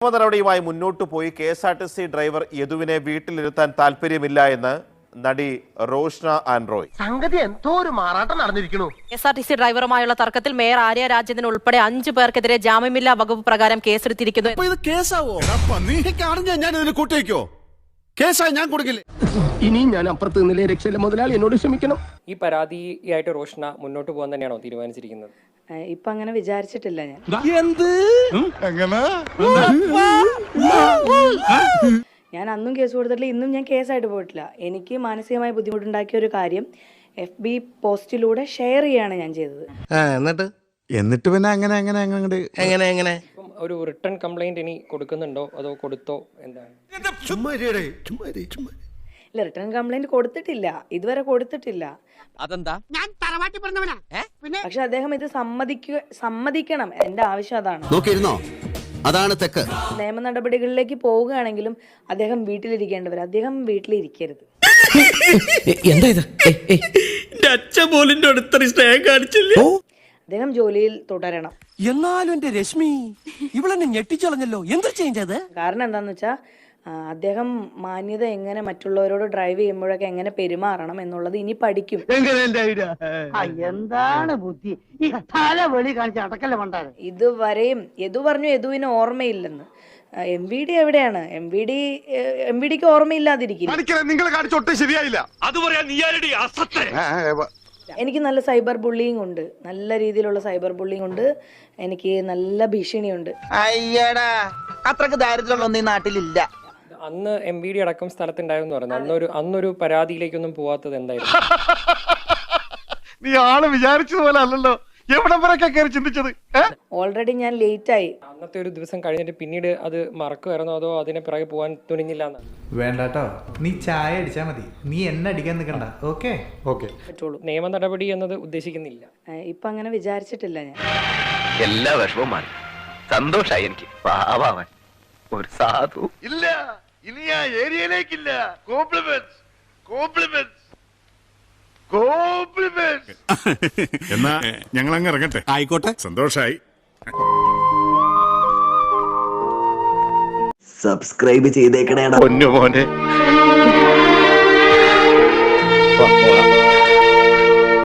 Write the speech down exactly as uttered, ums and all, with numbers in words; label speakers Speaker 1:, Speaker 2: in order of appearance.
Speaker 1: നടപടിയുമായി മുന്നോട്ടു പോയി K S R T C driver യദുവിനെ വീട്ടിലിരുത്താൻ താല്പര്യമില്ല എന്ന് നടി റോഷ്ന ആൻഡ്രോയ്.
Speaker 2: സംഗതി എന്തോ ഒരു മാറാട്ടം നടന്നിരിക്കുന്നു.
Speaker 3: K S R T C ഡ്രൈവറുമായുള്ള തർക്കത്തിൽ മേയർ ആര്യ രാജേന്ദ്രൻ ഉൾപ്പെടെ അഞ്ചു പേർക്കെതിരെ ജാമ്യമില്ലാ വകുപ്പ് പ്രകാരം കേസെടുത്തിരിക്കുന്നു.
Speaker 2: ഇനി ഞാൻ അപ്പുറത്ത് നിന്നിലെ രക്ഷയിലെ മുതലാളി എന്നോട് ക്ഷമിക്കണം.
Speaker 4: ഈ പരാതിയായിട്ട് റോഷ്ന മുന്നോട്ട് പോകാൻ തന്നെയാണോ തീരുമാനിച്ചിരിക്കുന്നത്?
Speaker 5: ഇപ്പൊ അങ്ങനെ വിചാരിച്ചിട്ടില്ല ഞാൻ. ഞാൻ അന്നും കേസ് കൊടുത്തിട്ടില്ല, ഇന്നും ഞാൻ കേസായിട്ട് പോയിട്ടില്ല. എനിക്ക് മാനസികമായി ബുദ്ധിമുട്ടുണ്ടാക്കിയ ഒരു കാര്യം എഫ് ബി പോസ്റ്റിലൂടെ ഷെയർ ചെയ്യാണ് ഞാൻ ചെയ്തത്.
Speaker 6: എന്നിട്ട് എന്നിട്ട് പിന്നെ അങ്ങനെ അങ്ങനെ അങ്ങനെ എങ്ങനെ എങ്ങനെ
Speaker 4: ഒരു റിട്ടേൺ കംപ്ലൈന്റ് ഇനി കൊടുക്കുന്നുണ്ടോ അതോ കൊടുത്തോ എന്താണ്?
Speaker 5: ഇല്ല, റിട്ടേൺ കംപ്ലൈന്റ് കൊടുത്തിട്ടില്ല, ഇതുവരെ കൊടുത്തിട്ടില്ല.
Speaker 2: അതെന്താ? ഞാൻ തറവാട്ടി പറഞ്ഞവനാ.
Speaker 5: പക്ഷെ അദ്ദേഹം ഇത് സമ്മതിക്കുക സമ്മതിക്കണം. എന്റെ ആവശ്യം അതാണ്.
Speaker 7: നോക്കിയിരുന്നോ? അതാണ് തെക്ക്.
Speaker 5: നിയമ നടപടികളിലേക്ക് പോവുകയാണെങ്കിലും അദ്ദേഹം വീട്ടിലിരിക്കേണ്ടവർ, അദ്ദേഹം വീട്ടിലിരിക്കരുത്.
Speaker 2: എന്താ ഇത്? അച്ഛൻ പോലും അടുത്ത സ്നേഹം കാണിച്ചില്ല.
Speaker 5: അദ്ദേഹം ജോലിയിൽ തുടരണം.
Speaker 2: എന്നാലും എന്റെ രശ്മി ഇവളെന്നെ ഞെട്ടിച്ചളഞ്ഞല്ലോ. എന്ത് ചേഞ്ച് അത്?
Speaker 5: കാരണം എന്താന്ന് വെച്ചാൽ അദ്ദേഹം മാന്യത എങ്ങനെ മറ്റുള്ളവരോട് ഡ്രൈവ് ചെയ്യുമ്പോഴൊക്കെ എങ്ങനെ പെരുമാറണം എന്നുള്ളത് ഇനി പഠിക്കും.
Speaker 8: എന്താണ് ബുദ്ധി ഈ തലവെളി കാണിച്ച അടക്കല്ല മണ്ടാണ്.
Speaker 5: ഇതുവരെയും യദു പറഞ്ഞു യദുവിന് ഓർമ്മയില്ലെന്ന്. എം വി ഡി എവിടെയാണ്? M V D M V ഡിക്ക് ഓർമ്മയില്ലാതിരിക്കും. എനിക്ക് നല്ല സൈബർ ബുള്ളിങ് ഉണ്ട്, നല്ല രീതിയിലുള്ള സൈബർ ബുള്ളിങ് ഉണ്ട്, എനിക്ക് നല്ല ഭീഷണിയുണ്ട്.
Speaker 8: അയ്യടാ, അത്രക്ക് ദാരിദ്ര്യമുള്ള ഈ നാട്ടിലില്ല.
Speaker 4: അന്ന് എം വി ഡി അടക്കം സ്ഥലത്തുണ്ടായിരുന്നു പറഞ്ഞു. അന്നൊരു അന്നൊരു പരാതിയിലേക്കൊന്നും പോവാത്തത് എന്തായിരുന്നു?
Speaker 9: നീ ആള് വിചാരിച്ചതുപോലെ അല്ലല്ലോ. എവിടെ വരെയൊക്കെ കയറി ചിന്തിച്ചത്?
Speaker 5: ഓൾറെഡി ഞാൻ ലേറ്റ് ആയി.
Speaker 4: അന്നത്തെ ഒരു ദിവസം കഴിഞ്ഞിട്ട് പിന്നീട് അത് മറക്കുമായിരുന്നോ അതോ അതിനെ പിറകെ പോകാൻ തുനിഞ്ഞില്ല എന്നാണ്?
Speaker 10: വേണ്ടട്ടോ, നീ ചായ അടിച്ചാ മതി, നീ എന്നെ അടിക്കാൻ നിൽക്കണ്ട. ഓക്കെ ഓക്കെ
Speaker 5: പറ്റുള്ളൂ.
Speaker 4: നിയമ നടപടി എന്നത് ഉദ്ദേശിക്കുന്നില്ല.
Speaker 5: ഇപ്പൊ അങ്ങനെ വിചാരിച്ചിട്ടില്ല ഞാൻ.
Speaker 7: എല്ലാ വിഷമവും സന്തോഷായി എനിക്ക്. പാവാൻ ഒരു സാധു
Speaker 9: ഇല്ല, ഇനി ആ ഏരിയയിലേക്കില്ല. Compliments compliments compliments.
Speaker 6: എന്നാ ഞങ്ങൾ അങ്ങ് ഇറങ്ങട്ടെ. ആയിക്കോട്ടെ, സന്തോഷായി.
Speaker 8: സബ്സ്ക്രൈബ് ചെയ്തേക്കണേടാ
Speaker 9: പൊന്നു മോനെ.